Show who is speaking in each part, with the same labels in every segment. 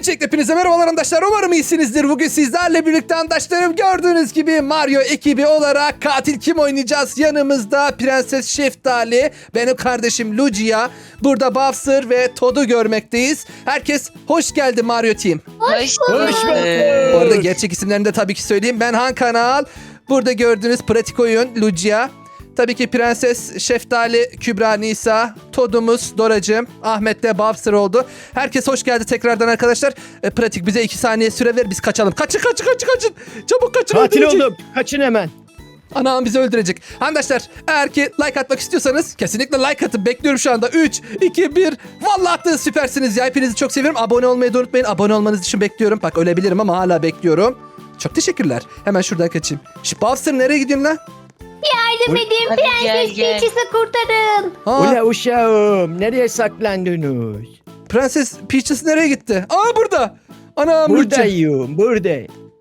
Speaker 1: Öncelikle hepinize merhabalar arkadaşlar. Umarım iyisinizdir. Bugün sizlerle birlikte arkadaşlarım gördüğünüz gibi Mario ekibi olarak katil kim oynayacağız? Yanımızda Prenses Şeftali, benim kardeşim Lucia, burada Bowser ve Toad'u görmekteyiz. Herkes hoş geldi Mario Team.
Speaker 2: Hoş
Speaker 1: Bu arada gerçek isimlerini de tabii ki söyleyeyim. Ben Han Kanal. Burada gördüğünüz pratik oyun Lucia. Tabii ki Prenses Şeftali, Kübra, Nisa, Toad'umuz, Doracığım, Ahmet de Bowser oldu. Herkes hoş geldi tekrardan arkadaşlar. Pratik bize 2 saniye süre ver, biz kaçalım. Kaçın. Çabuk kaçın.
Speaker 3: Katil
Speaker 1: öldürecek.
Speaker 3: oldum. Kaçın hemen.
Speaker 1: Anam bizi öldürecek. Arkadaşlar eğer ki like atmak istiyorsanız kesinlikle like atın. Bekliyorum şu anda. 3, 2, 1. Vallahi attınız, süpersiniz ya. Hepinizi çok seviyorum. Abone olmayı da unutmayın. Abone olmanız için bekliyorum. Bak ölebilirim ama hala bekliyorum. Çok teşekkürler. Hemen şuradan kaçayım. Şu Bowser nereye gidiyorsun lan?
Speaker 2: Yardım edin,
Speaker 4: Hadi
Speaker 2: Prenses
Speaker 4: gel.
Speaker 2: Peach'ı kurtarın.
Speaker 3: Ula uşağım. Nereye saklandınız?
Speaker 1: Prenses Peaches nereye gitti? Aa burada. Anam Lucia.
Speaker 3: Buradayım. Burada.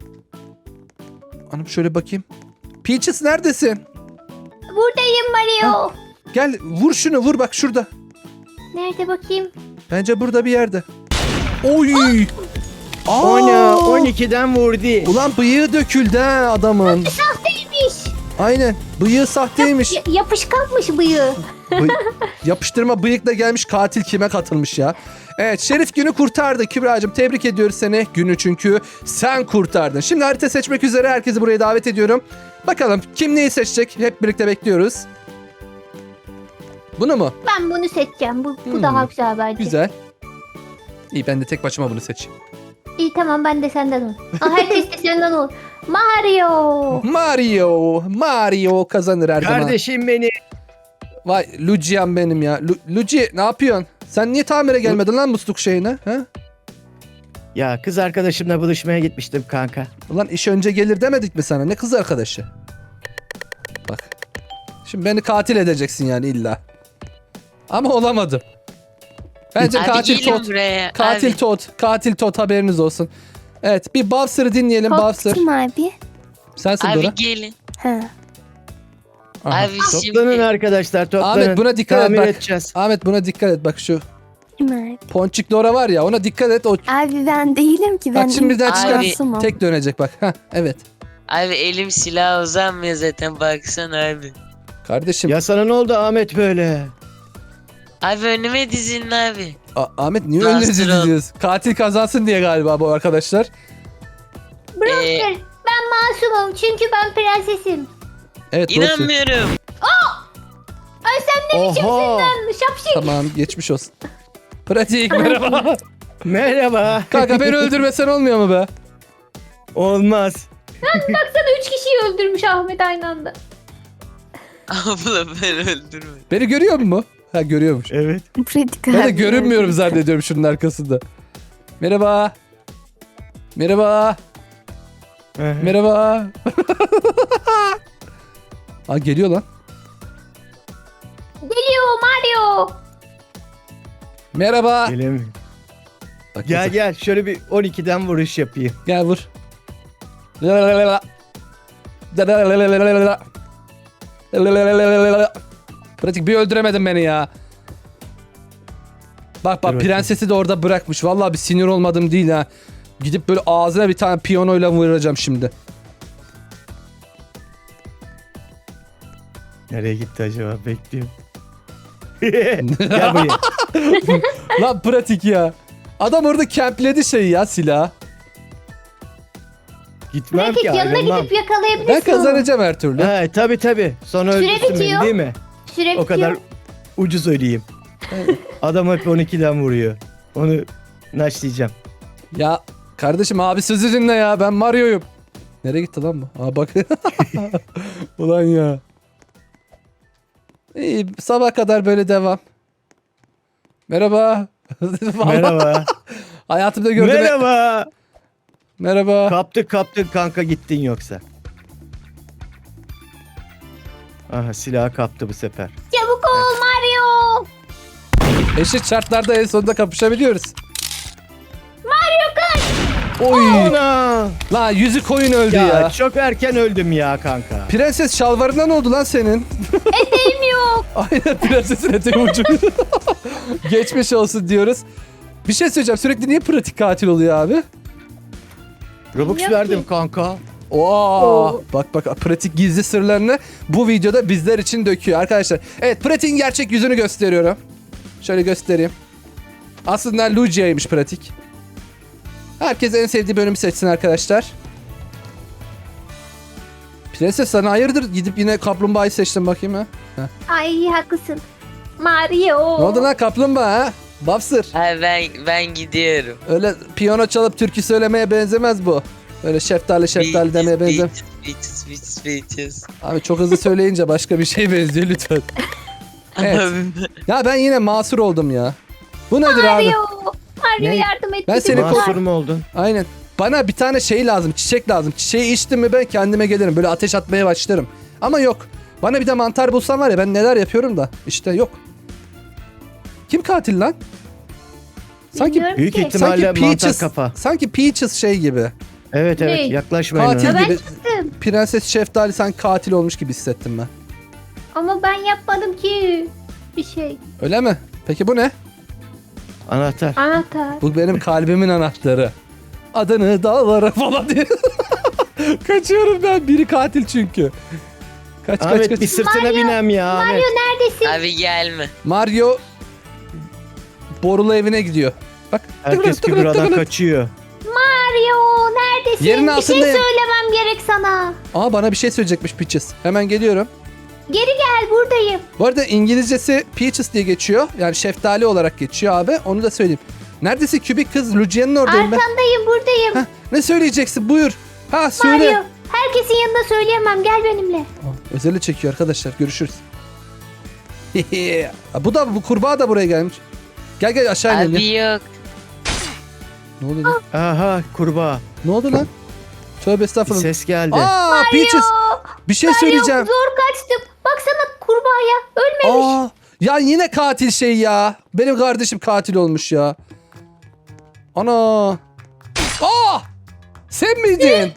Speaker 1: Anam şöyle bakayım. Peaches neredesin?
Speaker 2: Buradayım Mario.
Speaker 1: Gel vur şunu, vur bak şurada.
Speaker 2: Nerede bakayım?
Speaker 1: Bence burada bir yerde. Oy. Aa!
Speaker 3: Ona 12'den vurdu.
Speaker 1: Ulan bıyığı döküldü ha adamın.
Speaker 2: Sahteymiş.
Speaker 1: Aynen. Bıyığı sahteymiş.
Speaker 2: Yapışkanmış bıyığı.
Speaker 1: Yapıştırma bıyıkla gelmiş katil kime katılmış ya. Evet, Şerif günü kurtardı. Kübra'cığım tebrik ediyoruz seni. Günü çünkü sen kurtardın. Şimdi harita seçmek üzere herkesi buraya davet ediyorum. Bakalım kim neyi seçecek? Hep birlikte bekliyoruz. Bunu mu?
Speaker 2: Ben bunu seçeceğim. Bu daha güzel bence.
Speaker 1: Güzel. İyi, ben de tek başıma bunu seçeyim.
Speaker 2: İyi tamam, ben de senden ol. Herkes de senden ol. Mario.
Speaker 1: Mario kazanır her zaman.
Speaker 3: Kardeşim beni.
Speaker 1: Vay Lucia'm benim ya. Luci ne yapıyorsun? Sen niye tamire gelmedin lan musluk şeyine? Ha?
Speaker 3: Ya kız arkadaşımla buluşmaya gitmiştim kanka.
Speaker 1: Ulan iş önce gelir demedik mi sana? Ne kız arkadaşı? Bak. Şimdi beni katil edeceksin yani illa. Ama olamadım. Bence
Speaker 4: Abi
Speaker 1: katil
Speaker 4: gelin
Speaker 1: Toad.
Speaker 4: buraya.
Speaker 1: Katil
Speaker 4: abi.
Speaker 1: Toad. Katil Toad, haberiniz olsun. Evet, bir Bowser'ı dinleyelim. Bowser.
Speaker 5: Korktum abi.
Speaker 1: Sensin
Speaker 4: Abi
Speaker 1: Dora.
Speaker 4: gelin.
Speaker 5: Ha.
Speaker 1: Aha.
Speaker 4: Abi
Speaker 3: Toplanın
Speaker 4: şimdi.
Speaker 3: arkadaşlar toplanın.
Speaker 1: Ahmet buna dikkat et
Speaker 3: Tamir
Speaker 1: bak.
Speaker 3: edeceğiz.
Speaker 1: Ahmet buna dikkat et bak, şu
Speaker 5: Kim abi?
Speaker 1: ponçik Dora var ya, ona dikkat et. O
Speaker 5: Abi ben değilim ki. Ben
Speaker 1: bak şimdi birden çıkar.
Speaker 5: masumum.
Speaker 1: Tek dönecek bak. Heh, evet.
Speaker 4: Abi elim silah uzanmıyor zaten, baksana abi.
Speaker 1: Kardeşim.
Speaker 3: Ya sana ne oldu Ahmet böyle?
Speaker 4: Abi önüme dizilin abi.
Speaker 1: Ahmet niye
Speaker 4: Bastır
Speaker 1: önünüzü
Speaker 4: oğlum.
Speaker 1: diziyoruz? Katil kazansın diye galiba bu arkadaşlar.
Speaker 2: Bronzer, ben masumum çünkü ben prensesim.
Speaker 1: Evet, doğru söylüyorsun.
Speaker 4: İnanmıyorum.
Speaker 2: Ay sen ne biçimsin
Speaker 3: Oha.
Speaker 2: lan şapşik.
Speaker 1: Tamam, geçmiş olsun. Pratik merhaba.
Speaker 3: Merhaba.
Speaker 1: Kanka beni öldürmesen olmuyor mu be?
Speaker 3: Olmaz.
Speaker 2: Baksana 3 kişiyi öldürmüş Ahmet aynı anda.
Speaker 4: Abla ben öldürme.
Speaker 1: Beni görüyor mu? Ha, görüyormuş.
Speaker 3: Evet.
Speaker 5: Pratik
Speaker 1: Ben de
Speaker 5: abi.
Speaker 1: görünmüyorum zannediyorum şunun arkasında. Merhaba. Merhaba. Merhaba. Aa, geliyor lan.
Speaker 2: Geliyor Mario.
Speaker 1: Merhaba.
Speaker 3: Gelemiyorum.
Speaker 1: Bak,
Speaker 3: Gel
Speaker 1: nasıl-
Speaker 3: gel şöyle bir 12'den vuruş yapayım.
Speaker 1: Gel vur. Lalalala. Lalalala. Lalalala. Pratik bir öldüremedin beni ya. Bak
Speaker 3: Dur bakayım.
Speaker 1: prensesi de orada bırakmış. Vallahi bir sinir olmadım değil ha. Gidip böyle ağzına bir tane piyanoyla vuracağım şimdi.
Speaker 3: Nereye gitti acaba? Bekliyorum. Gel buraya.
Speaker 1: Lan pratik ya. Adam orada campledi şeyi ya, silah.
Speaker 3: Gitmem
Speaker 2: Pratik
Speaker 3: ki
Speaker 2: yanına
Speaker 3: ayrılmam.
Speaker 2: gidip yakalayabilirsin
Speaker 1: Ben
Speaker 2: onu.
Speaker 1: kazanacağım her türlü.
Speaker 3: Ha, tabii. Sonra
Speaker 2: Süre
Speaker 3: öldürsün beni
Speaker 2: bitiyor.
Speaker 3: değil mi?
Speaker 2: Süre
Speaker 3: O kadar
Speaker 2: bitiyor.
Speaker 3: ucuz öleyim. Adam hep 12'den vuruyor. Onu naşlayacağım.
Speaker 1: Ya kardeşim, abi sözü dinle ya. Ben Mario'yum. Nereye gitti lan bu? Aa bak. Ulan ya. İyi, sabah kadar böyle devam. Merhaba. Vallahi
Speaker 3: Merhaba.
Speaker 1: hayatımda gördüğüm...
Speaker 3: Merhaba.
Speaker 1: Merhaba.
Speaker 3: Kaptın kanka gittin yoksa. Aha silahı kaptı bu sefer.
Speaker 2: Çabuk ol Mario.
Speaker 1: Eşit şartlarda en sonunda kapışabiliyoruz.
Speaker 2: Mario kaç.
Speaker 1: Oy.
Speaker 3: Ana!
Speaker 1: La yüzü koyun öldü
Speaker 3: Ya,
Speaker 1: ya.
Speaker 3: çok erken öldüm ya kanka.
Speaker 1: Prenses şalvarından oldu lan senin.
Speaker 2: Eteğim yok.
Speaker 1: Aynen, prensesin eteği ucu. Geçmiş olsun diyoruz. Bir şey söyleyeceğim. Sürekli niye pratik katil oluyor abi?
Speaker 3: Robux
Speaker 2: Yok
Speaker 3: verdim
Speaker 2: ki.
Speaker 3: kanka.
Speaker 1: Oo. Bak pratik gizli sırlarını bu videoda bizler için döküyor arkadaşlar. Evet, pratiğin gerçek yüzünü gösteriyorum. Şöyle göstereyim. Aslında Lucia'ymış pratik. Herkes en sevdiği bölümü seçsin arkadaşlar. Prenses, sana hayırdır? Gidip yine kaplumbağayı seçtim bakayım ha.
Speaker 2: Ay haklısın. Mario.
Speaker 1: Ne oldu lan kaplumbağa ha? Bafsır.
Speaker 4: Abi ben gidiyorum.
Speaker 1: Öyle piyano çalıp türkü söylemeye benzemez bu. Öyle şeftali demeye benzemez.
Speaker 4: Bitches.
Speaker 1: Abi çok hızlı söyleyince başka bir şey benziyor lütfen. Evet.
Speaker 4: Abi,
Speaker 1: Ya ben yine masur oldum ya. Bu nedir abi?
Speaker 2: Mario. Mario
Speaker 3: Ne?
Speaker 2: yardım et.
Speaker 1: Ben
Speaker 2: bize.
Speaker 1: seni
Speaker 3: Mahsur mu oldun?
Speaker 1: Aynen. Bana bir tane şey lazım, çiçek lazım. Çiçeği içtim mi ben kendime gelirim. Böyle ateş atmaya başlarım. Ama yok. Bana bir de mantar bulsam var ya, ben neler yapıyorum da. İşte yok. Kim katil lan? Sanki
Speaker 2: Bilmiyorum
Speaker 3: Büyük
Speaker 2: ki.
Speaker 3: ihtimalle
Speaker 1: sanki
Speaker 3: mantar
Speaker 1: Peaches,
Speaker 3: kafa.
Speaker 1: sanki Peaches şey gibi.
Speaker 3: Evet
Speaker 2: Ne?
Speaker 3: yaklaşmayın
Speaker 1: Katil
Speaker 3: ona.
Speaker 2: Ya ben
Speaker 1: gibi.
Speaker 2: çıktım.
Speaker 1: Prenses Şeftali sanki katil olmuş gibi hissettim ben.
Speaker 2: Ama ben yapmadım ki bir şey.
Speaker 1: Öyle mi? Peki bu ne?
Speaker 3: Anahtar.
Speaker 2: Anahtar.
Speaker 1: Bu benim kalbimin anahtarı. Adını dağlara falan diye. Kaçıyorum ben. Biri katil çünkü. Kaç
Speaker 3: Ahmet
Speaker 1: kaç.
Speaker 3: bir sırtına binem ya Ahmet.
Speaker 2: Mario neredesin?
Speaker 4: abi gelme.
Speaker 1: Mario borulu evine gidiyor. Bak.
Speaker 3: Herkes Kübra'dan kaçıyor.
Speaker 2: Mario neredesin?
Speaker 1: Yerin
Speaker 2: bir şey
Speaker 1: altındayım.
Speaker 2: söylemem gerek sana.
Speaker 1: Aa, bana bir şey söyleyecekmiş Peaches. Hemen geliyorum.
Speaker 2: Geri gel buradayım.
Speaker 1: Bu arada İngilizcesi Peaches diye geçiyor. Yani şeftali olarak geçiyor abi. Onu da söyleyeyim. Neredesin kübik kız? Lucia'nın oradayım ben.
Speaker 2: Arkandayım buradayım.
Speaker 1: Heh, ne söyleyeceksin? Buyur. Ha söyle.
Speaker 2: Mario herkesin yanında söyleyemem gel benimle.
Speaker 1: Aa, özeli çekiyor arkadaşlar. Görüşürüz. bu kurbağa da buraya gelmiş. Gel aşağı inelim.
Speaker 4: Abi
Speaker 1: ya.
Speaker 4: yok.
Speaker 1: Ne oldu lan?
Speaker 3: Aha kurbağa.
Speaker 1: Ne oldu lan? Tövbe
Speaker 3: Bir
Speaker 1: estağfurullah.
Speaker 3: ses geldi.
Speaker 1: Aa, Peaches. Bir şey söyleyeceğim.
Speaker 2: Zor kaçtım. Baksana kurbağaya ölmemiş.
Speaker 1: Aa, ya yine katil şey ya. Benim kardeşim katil olmuş ya. Ana. Aa! Sen miydin?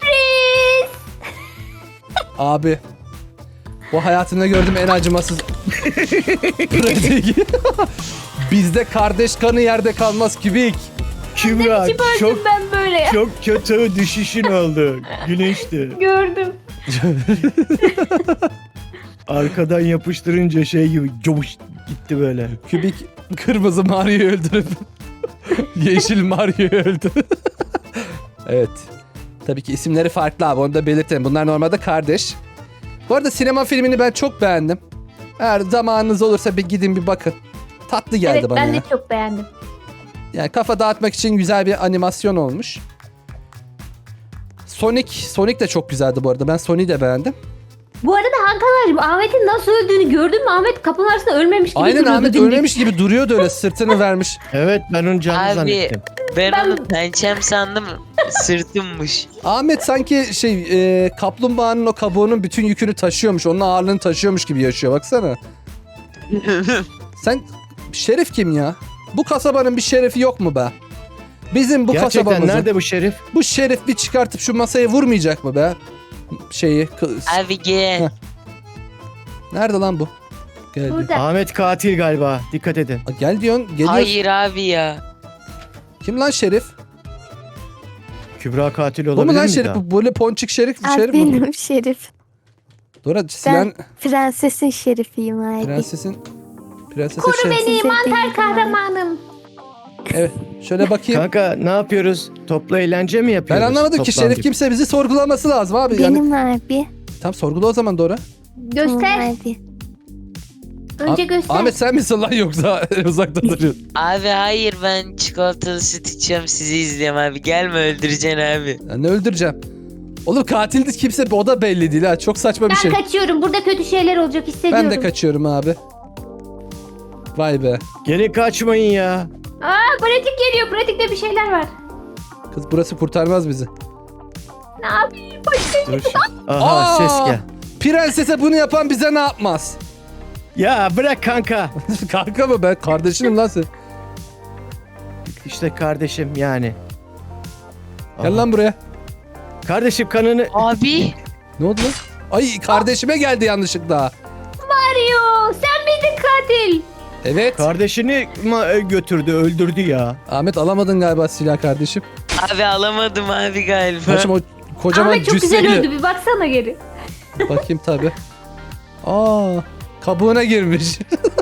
Speaker 1: Abi. Bu hayatımda gördüğüm en acımasız pratik. Bizde kardeş kanı yerde kalmaz kübik.
Speaker 3: Kübra
Speaker 2: İçim öldüm
Speaker 3: çok
Speaker 2: ben böyle ya.
Speaker 3: çok kötü düşüşün oldu. Güneşti.
Speaker 2: Gördüm.
Speaker 3: Arkadan yapıştırınca şey gibi covuş gitti böyle.
Speaker 1: Kübik kırmızı Mario'yu öldürüp yeşil Mario'yu öldü. Evet. Tabii ki isimleri farklı abi, onu da belirtelim. Bunlar normalde kardeş. Bu arada sinema filmini ben çok beğendim. Eğer zamanınız olursa bir gidin bir bakın. Tatlı geldi
Speaker 2: Evet
Speaker 1: bana
Speaker 2: ben
Speaker 1: ya.
Speaker 2: de çok beğendim.
Speaker 1: Yani kafa dağıtmak için güzel bir animasyon olmuş. Sonic de çok güzeldi bu arada. Ben Sonic'i de beğendim.
Speaker 2: Bu arada Hakan'cığım Ahmet'in nasıl öldüğünü gördün mü? Ahmet kapının arasında ölmemiş gibi
Speaker 1: Aynen,
Speaker 2: duruyordu.
Speaker 1: Ahmet
Speaker 2: dimdik.
Speaker 1: ölmemiş gibi duruyordu öyle, sırtını vermiş.
Speaker 3: Evet ben onu canlı
Speaker 4: Abi.
Speaker 3: zannettim.
Speaker 4: Ben
Speaker 2: Ben-
Speaker 4: onu pençem sandım. Sırtımmış.
Speaker 1: Ahmet sanki kaplumbağanın o kabuğunun bütün yükünü taşıyormuş. Onun ağırlığını taşıyormuş gibi yaşıyor, baksana. Sen şerif kim ya? Bu kasabanın bir şerefi yok mu be? Bizim bu
Speaker 3: Gerçekten
Speaker 1: kasabamızın.
Speaker 3: nerede bu şerif?
Speaker 1: Bu şerif bir çıkartıp şu masaya vurmayacak mı be?
Speaker 4: Abi gel.
Speaker 1: Nerede lan bu? Geldi.
Speaker 2: Burada.
Speaker 3: Ahmet katil galiba. Dikkat edin.
Speaker 1: Aa, gel diyorsun, geliyor.
Speaker 4: Hayır abi ya.
Speaker 1: Kim lan şerif?
Speaker 3: Kübra katil
Speaker 1: Bu
Speaker 3: olabilir
Speaker 1: mu lan
Speaker 3: mi
Speaker 1: şerif?
Speaker 3: daha?
Speaker 1: Bu böyle ponçik şerif mi?
Speaker 5: Abi
Speaker 1: Şerif mi?
Speaker 5: benim şerif.
Speaker 1: Dora silen
Speaker 5: Prensesin şerifiyim abi.
Speaker 1: prensese
Speaker 2: Koru
Speaker 1: şerif.
Speaker 2: beni
Speaker 5: Size
Speaker 2: mantar
Speaker 5: değil
Speaker 2: kahramanım.
Speaker 1: Evet. Şöyle bakayım.
Speaker 3: Kanka ne yapıyoruz? Toplu eğlence mi
Speaker 1: Ben
Speaker 3: yapıyoruz?
Speaker 1: anlamadım ki,
Speaker 3: Toplandık.
Speaker 1: şerif kimse bizi sorgulaması lazım abi. Yani
Speaker 5: Benim abi.
Speaker 1: tam sorgula o zaman Dora.
Speaker 2: Göster.
Speaker 5: Tamam abi.
Speaker 2: Önce göster.
Speaker 1: Ahmet sen misin lan yoksa uzakta duruyorsun?
Speaker 4: Abi hayır ben çikolatalı süt içiyorum sizi izliyorum abi. Gelme öldüreceksin abi.
Speaker 1: Ya ne öldüreceğim? Oğlum katildi kimse, o da belli değil ha. Çok saçma bir
Speaker 2: Ben
Speaker 1: şey.
Speaker 2: kaçıyorum. Burada kötü şeyler olacak hissediyorum.
Speaker 1: Ben de kaçıyorum abi. Vay be.
Speaker 3: Gelin kaçmayın ya.
Speaker 2: Aa pratik geliyor. Pratikte bir şeyler var.
Speaker 1: Kız burası kurtarmaz bizi.
Speaker 2: Ne yapayım? Başka
Speaker 3: Dur. Aha
Speaker 1: Aa!
Speaker 3: ses gel.
Speaker 1: Prensese bunu yapan bize ne yapmaz?
Speaker 3: Ya bırak kanka.
Speaker 1: Kanka mı, ben kardeşinim lan sen.
Speaker 3: İşte kardeşim yani.
Speaker 1: Gel
Speaker 3: Aha.
Speaker 1: lan buraya.
Speaker 3: Kardeşim kanını...
Speaker 4: Abi.
Speaker 1: Ne oldu lan? Ay kardeşime geldi yanlışlıkla.
Speaker 2: Mario. Sen miydin katil?
Speaker 1: Evet.
Speaker 3: Kardeşini götürdü, öldürdü ya.
Speaker 1: Ahmet alamadın galiba silah kardeşim.
Speaker 4: Abi alamadım abi galiba.
Speaker 1: Kardeşim o kocaman
Speaker 2: Ahmet çok güzel
Speaker 1: cüsseli.
Speaker 2: öldü, bir baksana geri.
Speaker 1: Bakayım tabi. Aa, kabuğuna girmiş.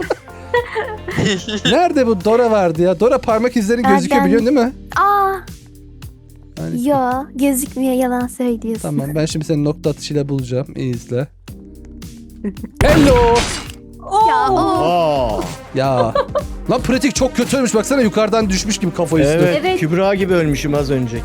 Speaker 1: Nerede bu Dora vardı ya? Dora parmak izlerin gözüküyor
Speaker 5: Ben-
Speaker 1: biliyorsun değil mi?
Speaker 5: Aa.
Speaker 1: Yani-
Speaker 5: Yo gözükmüyor, yalan söylüyorsun.
Speaker 1: Tamam ben şimdi seni nokta atışıyla bulacağım. İyi izle. Hello.
Speaker 5: Ya o.
Speaker 3: Aa.
Speaker 1: Ya. Lan pratik çok kötü ölmüş. Baksana yukarıdan düşmüş gibi kafa üstü.
Speaker 3: Evet,
Speaker 2: Evet.
Speaker 3: Kübra gibi ölmüşüm az önceki.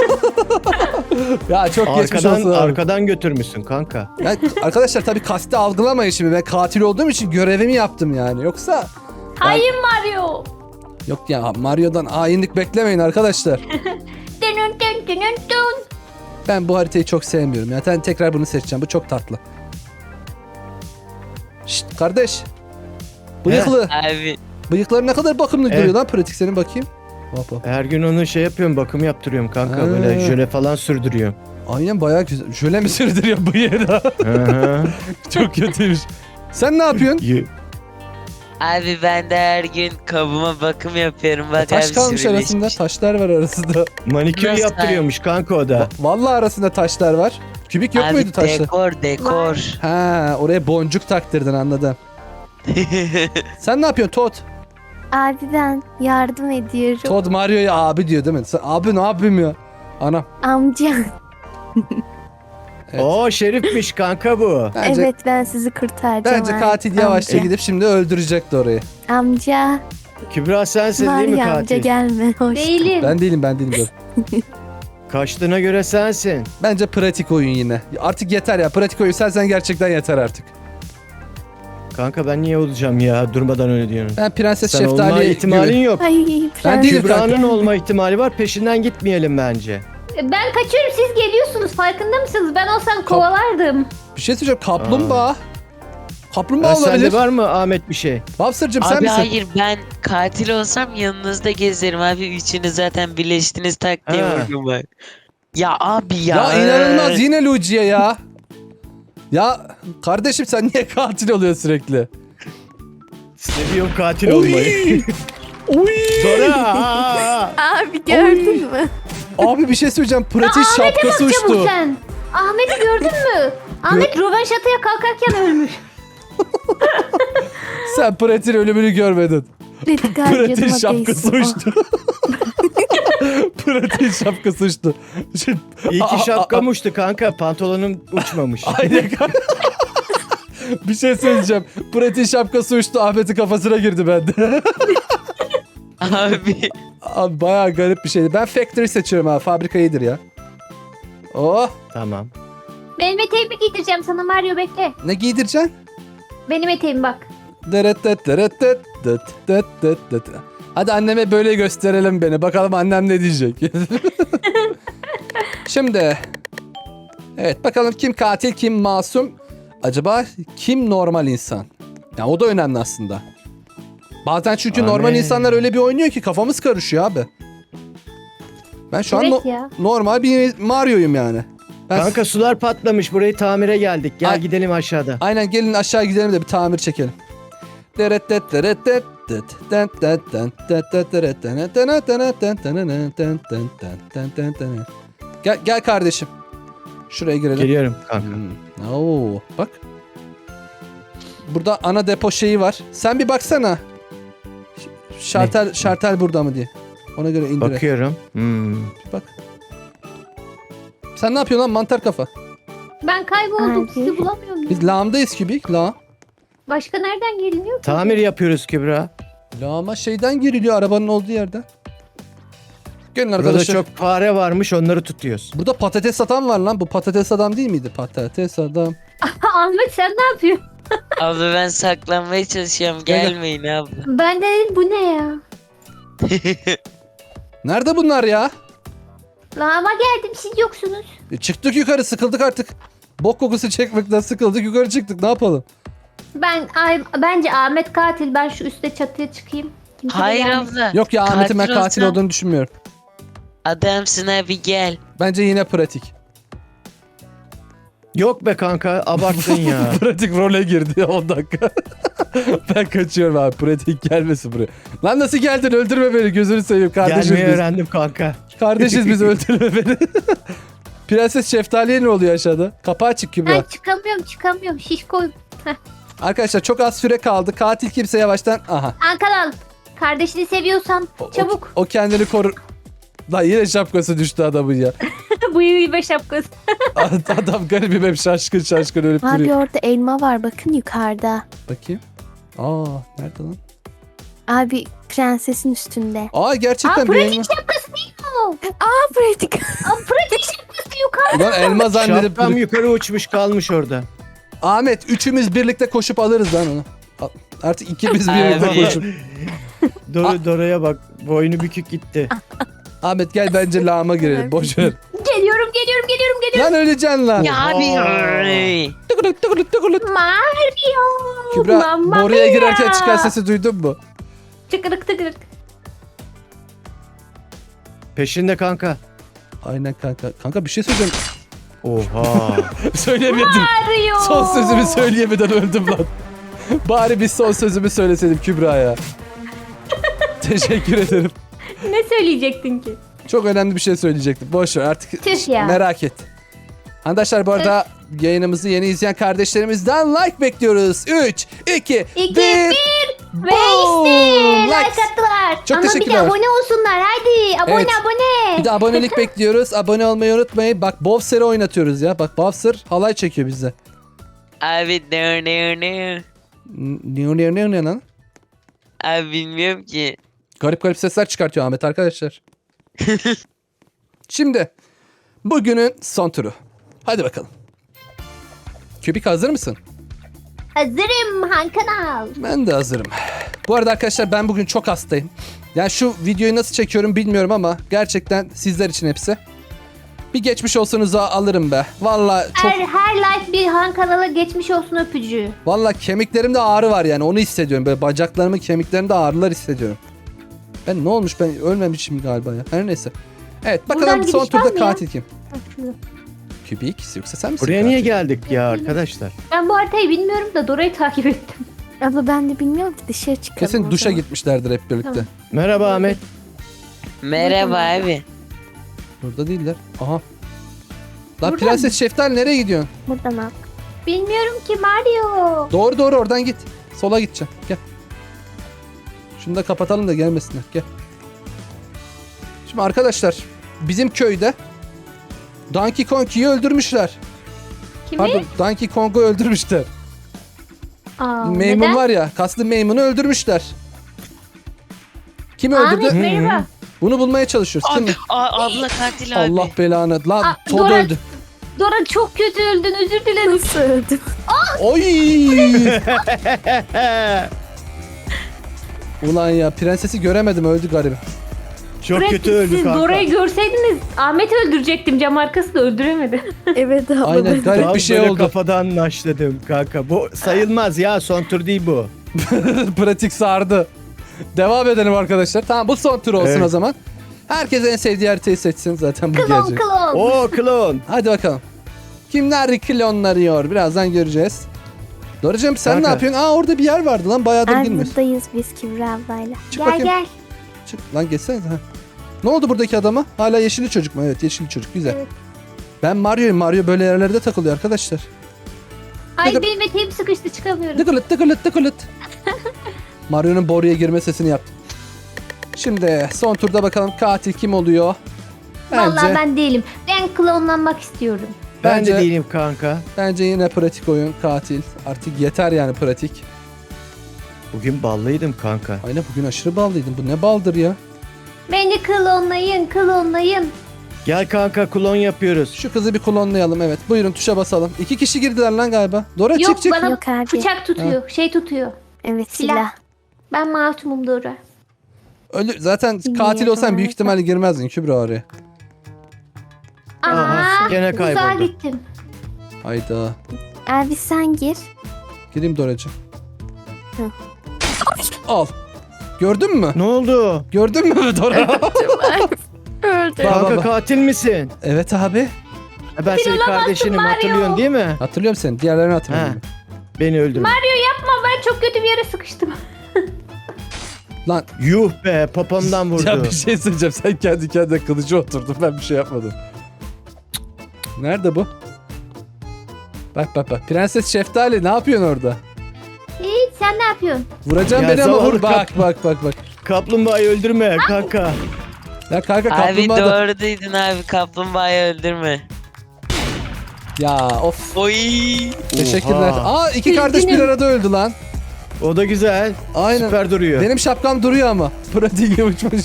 Speaker 1: Ya çok geçmiş olsun abi.
Speaker 3: Arkadan götürmüşsün kanka.
Speaker 1: Yani arkadaşlar tabii kasti algılamayın şimdi. Ben katil olduğum için görevimi yaptım yani. Yoksa
Speaker 2: Hayır Mario.
Speaker 1: yok ya Mario'dan hainlik beklemeyin arkadaşlar.
Speaker 2: Dünün dün dünün dün.
Speaker 1: Ben bu haritayı çok sevmiyorum. Ya ben tekrar bunu seçeceğim. Bu çok tatlı. Şşt kardeş. Bıyıklı.
Speaker 4: Abi
Speaker 1: Bıyıkları ne kadar bakımlı
Speaker 3: Evet.
Speaker 1: duruyor lan pratik senin bakayım. Hop hop.
Speaker 3: Her gün onu şey yapıyorum, bakım yaptırıyorum kanka.
Speaker 1: Ha.
Speaker 3: Böyle jöle falan sürdürüyorum.
Speaker 1: Aynen bayağı güzel. Şöyle mi sürdürüyor bıyığı da?
Speaker 3: Hı hı.
Speaker 1: Çok kötüymüş. Sen ne yapıyorsun?
Speaker 4: abi ben de her gün kabıma bakım yapıyorum. Bak
Speaker 1: Taş
Speaker 4: abi
Speaker 1: kalmış
Speaker 4: sürüleşmiş.
Speaker 1: arasında. Taşlar var arasında.
Speaker 3: Manikür
Speaker 4: Nasıl
Speaker 3: yaptırıyormuş kanka o da.
Speaker 1: Vallahi arasında taşlar var. Kübik yok
Speaker 4: Abi
Speaker 1: muydu taşlar?
Speaker 4: dekor.
Speaker 1: Ha, oraya boncuk taktırdın anladım. Sen ne yapıyorsun Todd?
Speaker 5: Abi ben yardım ediyorum.
Speaker 1: Todd Mario'ya abi diyor değil mi? Sen, abi ne yapayım ya? Anam.
Speaker 5: Amca.
Speaker 1: Evet.
Speaker 3: Oo şerifmiş kanka bu.
Speaker 1: Bence,
Speaker 5: Evet ben sizi kurtaracağım.
Speaker 1: bence
Speaker 5: abi.
Speaker 1: katil yavaşça
Speaker 5: Amca.
Speaker 1: gidip şimdi öldürecekti orayı.
Speaker 5: Amca.
Speaker 3: Kübra sensin değil mi
Speaker 5: Mario amca
Speaker 3: katil?
Speaker 5: gelme. Hoş.
Speaker 2: Değilim.
Speaker 1: Ben değilim dur.
Speaker 3: Kaçtığına göre sensin.
Speaker 1: Bence pratik oyun yine. Artık yeter ya. Pratik oyun sen gerçekten yeter artık.
Speaker 3: Kanka ben niye olacağım ya, durmadan öyle diyorsun.
Speaker 1: Ben Prenses
Speaker 3: Sen olma
Speaker 1: Şeftali
Speaker 3: ihtimalin
Speaker 1: gibi.
Speaker 3: yok.
Speaker 5: Ay
Speaker 1: Ben değilim
Speaker 3: Kübra'nın
Speaker 1: kanka.
Speaker 3: olma ihtimali var, peşinden gitmeyelim bence.
Speaker 2: Ben kaçıyorum, siz geliyorsunuz, farkında mısınız? Ben olsam kovalardım.
Speaker 1: Bir şey söyleyeceğim. Kaplumbağa. Kaplumbağa
Speaker 3: Ha,
Speaker 1: olabilir.
Speaker 3: sende var mı Ahmet bir şey?
Speaker 1: Bobster'cığım sen
Speaker 4: Abi
Speaker 1: misin?
Speaker 4: hayır ben katil olsam yanınızda gezerim abi. Üçünüz zaten birleştiniz tak diye
Speaker 3: Ha.
Speaker 4: vurdum bak. Ya abi ya.
Speaker 1: Ya inanılmaz yine Luigi'ye ya. Ya kardeşim sen niye katil oluyorsun sürekli?
Speaker 3: Seviyorum katil olmayı.
Speaker 1: Oy.
Speaker 3: Dora!
Speaker 5: Abi gördün mü?
Speaker 1: Abi bir şey söyleyeceğim. Pratik şapkası
Speaker 2: Çabuk
Speaker 1: uçtu.
Speaker 2: sen. Ahmet'i gördün mü? Ahmet rövanşataya kalkarken ölmüş.
Speaker 1: Sen Pratik'in ölümünü görmedin.
Speaker 5: Pratik
Speaker 1: Pratik'in
Speaker 5: harcadım
Speaker 1: şapkası uçtu. Pratik'in şapkası uçtu. Şimdi,
Speaker 3: İyi ki şapkam uçtu kanka, pantolonum uçmamış.
Speaker 1: aynen. Bir şey söyleyeceğim. Pratik'in şapkası uçtu. Ahmet'in kafasına girdi bende.
Speaker 4: Abi.
Speaker 1: Abi bayağı garip bir şeydi. Ben Factory seçiyorum ha. Fabrika iyidir ya. Oh.
Speaker 3: Tamam.
Speaker 2: Benim eteğimi giydireceğim sana Mario, bekle.
Speaker 1: Ne giydireceksin?
Speaker 2: Benim eteğim bak.
Speaker 1: Hadi anneme böyle gösterelim beni. Bakalım annem ne diyecek. Şimdi. Evet bakalım kim katil kim masum. Acaba kim normal insan? Ya o da önemli aslında. Bazen çünkü normal
Speaker 3: Amin.
Speaker 1: insanlar öyle bir oynuyor ki kafamız karışıyor abi. Ben şu an
Speaker 2: Evet ya.
Speaker 1: normal bir Mario'yum yani. Ben
Speaker 3: Kanka sular patlamış, burayı tamire geldik. Gel
Speaker 1: Ay-
Speaker 3: gidelim aşağıda.
Speaker 1: Aynen gelin aşağı gidelim de bir tamir çekelim. Gel kardeşim. Şuraya girelim.
Speaker 3: Geliyorum kanka.
Speaker 1: Oo, bak. Burada ana depo şeyi var. Sen bir baksana. Şartel burada mı diye. Ona göre indir.
Speaker 3: Bakıyorum.
Speaker 1: Bak. Sen ne yapıyorsun lan mantar kafa?
Speaker 2: Ben kayboldum,
Speaker 5: Abi.
Speaker 2: sizi bulamıyorum. ya.
Speaker 1: Biz lağımdayız kübik. Lağım.
Speaker 2: Başka nereden geliniyor ki?
Speaker 3: Tamir yapıyoruz Kübra.
Speaker 1: Lağıma şeyden giriliyor arabanın olduğu yerden. Gelin
Speaker 3: Burada
Speaker 1: arkadaşlar.
Speaker 3: çok fare varmış, onları tutuyoruz.
Speaker 1: Burada patates adam var lan. Bu patates adam değil miydi? Patates adam.
Speaker 2: Ahmet sen ne yapıyorsun?
Speaker 4: Abla ben saklanmaya çalışıyorum.
Speaker 1: Gel, gel.
Speaker 4: Gelmeyin abla.
Speaker 2: Ben de dedim bu ne ya?
Speaker 1: Nerede bunlar ya?
Speaker 2: Lağıma geldim, siz yoksunuz.
Speaker 1: Çıktık yukarı sıkıldık artık. Bok kokusu çekmekten sıkıldık yukarı çıktık ne yapalım?
Speaker 2: Bence Ahmet katil. Ben şu üstte çatıya çıkayım. Kimse de
Speaker 4: Hayır
Speaker 2: gelmesin.
Speaker 4: abla.
Speaker 1: Yok ya Ahmet'in ben katil
Speaker 4: olsam-
Speaker 1: olduğunu düşünmüyorum.
Speaker 4: Adamsın abi gel.
Speaker 1: Bence yine pratik.
Speaker 3: Yok be kanka abarttın ya.
Speaker 1: Pratik role girdi 10 dakika. Ben kaçıyorum abi. Pratik gelmesin buraya. Lan nasıl geldin? Öldürme beni. Gözünü seveyim. Kardeşiz
Speaker 3: Gelmeyi
Speaker 1: biz.
Speaker 3: öğrendim kanka.
Speaker 1: Kardeşiz biz, öldürme beni. Prenses Şeftali'ye ne oluyor aşağıda? Kapağı açık Kübra.
Speaker 2: Ben çıkamıyorum. Şişko.
Speaker 1: Arkadaşlar çok az süre kaldı. Katil kimse yavaştan. Aha.
Speaker 2: Ankara'l. Kardeşini seviyorsan çabuk.
Speaker 1: O kendini korur. Lan yine şapkası düştü adamın ya.
Speaker 2: Bu iyi be şapkası.
Speaker 1: Adam garibim, hep şaşkın ölüp
Speaker 5: Abi
Speaker 1: duruyor.
Speaker 5: orada elma var bakın yukarıda.
Speaker 1: Bakayım. Aa nerede lan?
Speaker 5: Abi prensesin üstünde.
Speaker 1: Aa gerçekten bir
Speaker 2: pratik
Speaker 1: elma.
Speaker 2: şapkası değil mi o?
Speaker 5: Aa pratik.
Speaker 2: Pratik şapkası yukarı.
Speaker 1: Ulan elma zannedip
Speaker 3: Şapkam
Speaker 1: duruyor.
Speaker 3: yukarı uçmuş kalmış orada.
Speaker 1: Ahmet üçümüz birlikte koşup alırız lan onu. Artık ikimiz birlikte
Speaker 4: Abi.
Speaker 1: koşup.
Speaker 3: Dora'ya bak boynu bükük gitti.
Speaker 1: Ahmet gel bence lağıma girelim. Boş ver.
Speaker 2: Geliyorum.
Speaker 1: Lan öleceksin lan.
Speaker 4: Ya abi.
Speaker 1: Tıkırık tıkırık tıkırık.
Speaker 2: Mario.
Speaker 1: Kübra
Speaker 2: Mamma
Speaker 1: oraya
Speaker 2: mia.
Speaker 1: girerken çıkan sesi duydun mu?
Speaker 2: Tıkırık.
Speaker 3: Peşinde kanka.
Speaker 1: Aynen kanka. Kanka bir şey söyleyeceğim.
Speaker 3: Oha.
Speaker 1: Söyleyemedim.
Speaker 2: Mario.
Speaker 1: Son sözümü söyleyemeden öldüm lan. Bari bir son sözümü söyleseydim Kübra'ya. Teşekkür ederim.
Speaker 2: Ne söyleyecektin ki?
Speaker 1: Çok önemli bir şey söyleyecektim. Boş ver artık.
Speaker 2: Tüh ya.
Speaker 1: Merak et. Arkadaşlar bu arada yayınımızı yeni izleyen kardeşlerimizden like bekliyoruz. 3, 2,
Speaker 2: 2,
Speaker 1: 1.
Speaker 2: 1 ve işte like
Speaker 1: Likes.
Speaker 2: attılar.
Speaker 1: Çok
Speaker 2: Ama bir
Speaker 1: teşekkürler.
Speaker 2: de abone olsunlar. Haydi abone
Speaker 1: Evet.
Speaker 2: abone.
Speaker 1: Bir de abonelik bekliyoruz. Abone olmayı unutmayın. Bak Bowser'ı oynatıyoruz ya. Bak Bowser halay çekiyor bize.
Speaker 4: Abi ne?
Speaker 1: Ne lan?
Speaker 4: Abi bilmiyorum ki.
Speaker 1: Garip garip sesler çıkartıyor Ahmet arkadaşlar. Şimdi bugünün son turu. Hadi bakalım. Kübik hazır mısın?
Speaker 2: Hazırım Han Kanal.
Speaker 1: Ben de hazırım. Bu arada arkadaşlar ben bugün çok hastayım. Yani şu videoyu nasıl çekiyorum bilmiyorum ama gerçekten sizler için hepsi. Bir geçmiş olsunuzu alırım be. Vallahi çok
Speaker 2: Her like bir Han Kanal'a geçmiş olsun öpücüğü.
Speaker 1: vallahi kemiklerimde ağrı var yani onu hissediyorum. Böyle bacaklarımın kemiklerimde ağrılar hissediyorum. Ben ne olmuş, ben ölmemişim galiba ya. Her neyse. Evet bakalım
Speaker 2: Buradan
Speaker 1: son
Speaker 2: giriş var
Speaker 1: turda
Speaker 2: mı ya?
Speaker 1: katil kim? Kübik yoksa sen misin?
Speaker 3: Buraya
Speaker 1: katil?
Speaker 3: niye geldik ya arkadaşlar?
Speaker 2: Ben bu haritayı bilmiyorum da Dora'yı takip ettim.
Speaker 5: Abla ben de bilmiyorum ki dışarı çıkalım.
Speaker 1: Kesin
Speaker 5: o
Speaker 1: duşa
Speaker 5: zaman.
Speaker 1: gitmişlerdir hep birlikte.
Speaker 2: Tamam.
Speaker 3: Merhaba Ahmet.
Speaker 4: Merhaba abi.
Speaker 1: Burada değiller. Aha. Lan
Speaker 2: Buradan
Speaker 1: Prenses Şeftali nereye gidiyorsun?
Speaker 5: Buradan al.
Speaker 2: Bilmiyorum ki Mario.
Speaker 1: Doğru oradan git. Sola gideceğim. Gel. Şunu da kapatalım da gelmesinler. Gel. Şimdi arkadaşlar bizim köyde Donkey Kong'u öldürmüşler.
Speaker 2: Kimi?
Speaker 1: Pardon Donkey Kong'u öldürmüşler.
Speaker 2: Aa,
Speaker 1: Maymun
Speaker 2: neden?
Speaker 1: var ya, kaslı Maymun'u öldürmüşler. Kim öldürdü?
Speaker 2: Ahmet merhaba.
Speaker 1: Bunu bulmaya çalışıyoruz. Kim?
Speaker 4: Abi, abla katil abi.
Speaker 1: Allah belanı. Lan
Speaker 2: Aa,
Speaker 1: Todd
Speaker 2: Dora-
Speaker 1: öldü.
Speaker 2: Dora çok kötü öldün, özür dilerim.
Speaker 5: Nasıl öldüm?
Speaker 1: Oy! Ulan ya prensesi göremedim, öldü garibim.
Speaker 3: Çok
Speaker 2: Bırak
Speaker 3: kötü öldü
Speaker 2: siz
Speaker 3: kanka.
Speaker 2: Dora'yı görseydiniz Ahmet'i öldürecektim, cam arkası da öldüremedi.
Speaker 5: Evet abla.
Speaker 1: Aynen
Speaker 5: ben-
Speaker 1: garip
Speaker 3: Tam
Speaker 1: bir şey
Speaker 3: böyle
Speaker 1: oldu.
Speaker 3: kafadan naşladım kanka. Bu sayılmaz ya, son tur değil bu.
Speaker 1: Pratik sardı. Devam edelim arkadaşlar. Tamam bu son tur olsun
Speaker 3: Evet.
Speaker 1: o zaman. Herkes en sevdiği haritayı seçsin zaten bu
Speaker 2: Klon
Speaker 1: gelecek.
Speaker 2: klon.
Speaker 3: Oo klon.
Speaker 1: Hadi bakalım. Kimler klonlanıyor? Birazdan göreceğiz. Doracığım sen
Speaker 3: Kanka.
Speaker 1: ne yapıyorsun? Aa orada bir yer vardı lan, bayağıdır
Speaker 5: Abi
Speaker 1: girmiyoruz.
Speaker 5: buradayız biz Kübra ablayla.
Speaker 1: Çık
Speaker 2: Gel
Speaker 1: bakayım.
Speaker 2: gel.
Speaker 1: Çık. Lan geçsene. Ha. Ne oldu buradaki adama? Hala yeşilli çocuk mu? Evet yeşilli çocuk. Güzel.
Speaker 2: Evet.
Speaker 1: Ben Mario'yum. Mario böyle yerlerde takılıyor arkadaşlar.
Speaker 2: Ay
Speaker 1: kadar-
Speaker 2: benim eteğim sıkıştı, çıkamıyorum.
Speaker 1: Tıkılıt tıkılıt tıkılıt. Mario'nun boruya girme sesini yaptım. Şimdi son turda bakalım katil kim oluyor?
Speaker 2: Vallahi ben değilim. Ben klonlanmak istiyorum.
Speaker 3: Ben
Speaker 1: Bence-
Speaker 3: de değilim kanka.
Speaker 1: Bence yine pratik oyun katil. Artık yeter yani pratik.
Speaker 3: Bugün ballıydım kanka.
Speaker 1: Aynen bugün aşırı ballıydın. Bu ne baldır ya?
Speaker 2: Beni klonlayın.
Speaker 3: Gel kanka, klon yapıyoruz.
Speaker 1: Şu kızı bir klonlayalım evet. Buyurun tuşa basalım. 2 kişi girdiler lan galiba. Dora
Speaker 2: Yok,
Speaker 1: çık çık.
Speaker 2: bana
Speaker 5: Yok abi.
Speaker 2: bıçak tutuyor, şey tutuyor.
Speaker 5: Evet
Speaker 2: Silah.
Speaker 5: silah.
Speaker 2: Ben masumum Dora.
Speaker 1: Ölür. Zaten
Speaker 5: Bilmiyorum
Speaker 1: katil olsan büyük
Speaker 5: harika.
Speaker 1: ihtimalle girmezdin Kübra oraya.
Speaker 2: Aa,
Speaker 3: gene
Speaker 2: uzağa
Speaker 3: kayboldu.
Speaker 2: gittim.
Speaker 1: Hayda.
Speaker 5: Abi sen gir.
Speaker 1: Gireyim Doracığım.
Speaker 5: Hı.
Speaker 1: Al. Gördün mü?
Speaker 3: Ne oldu?
Speaker 1: Gördün mü Dora?
Speaker 5: Öldü.
Speaker 1: Bak,
Speaker 3: Kanka
Speaker 1: bak.
Speaker 3: katil misin?
Speaker 1: Evet abi.
Speaker 3: Ben senin
Speaker 2: olamazsın
Speaker 3: kardeşinim,
Speaker 2: Mario.
Speaker 3: hatırlıyorsun değil mi?
Speaker 1: Hatırlıyorum seni. Diğerlerini hatırlamıyorum.
Speaker 3: Beni öldürme.
Speaker 2: Yapma, ben çok kötü bir yere sıkıştım.
Speaker 1: Lan
Speaker 3: Yuh be, papamdan vurdu.
Speaker 1: ya bir şey söyleyeceğim. Sen kendi kendine kılıcı oturdun. Ben bir şey yapmadım. Nerede bu? Bak bak bak. Prenses Şeftali ne yapıyorsun orada?
Speaker 2: Hiç, sen ne yapıyorsun?
Speaker 1: Vuracağım
Speaker 3: Ya
Speaker 1: beni ama
Speaker 3: zavallı
Speaker 1: vur. Bak bak bak bak.
Speaker 3: Kaplumbağayı öldürme kanka.
Speaker 1: Ya kanka
Speaker 4: Abi
Speaker 1: kaplumbağa da...
Speaker 4: doğru duydun abi, kaplumbağayı öldürme.
Speaker 1: Ya of.
Speaker 4: Oy.
Speaker 1: Teşekkürler.
Speaker 3: Oha.
Speaker 1: Aa iki kardeş bir
Speaker 2: Üzgünüm.
Speaker 1: arada öldü lan.
Speaker 3: O da güzel.
Speaker 1: Aynen.
Speaker 3: Süper duruyor.
Speaker 1: Benim şapkam duruyor ama. Pratiğe uçmuş.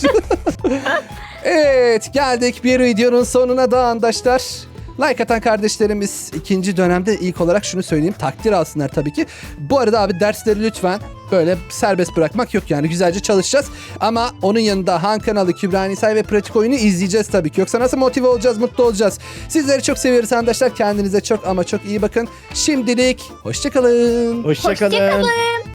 Speaker 1: Evet geldik bir videonun sonuna da arkadaşlar. Like atan kardeşlerimiz ikinci dönemde ilk olarak şunu söyleyeyim. Takdir alsınlar tabii ki. Bu arada abi dersleri lütfen böyle serbest bırakmak yok yani. Güzelce çalışacağız. Ama onun yanında Han kanalı, Kübra Nisay ve Pratik Oyunu izleyeceğiz tabii ki. Yoksa nasıl motive olacağız, mutlu olacağız. Sizleri çok seviyoruz arkadaşlar. Kendinize çok ama çok iyi bakın. Şimdilik hoşçakalın.
Speaker 3: Hoşça kalın.
Speaker 2: Hoşçakalın.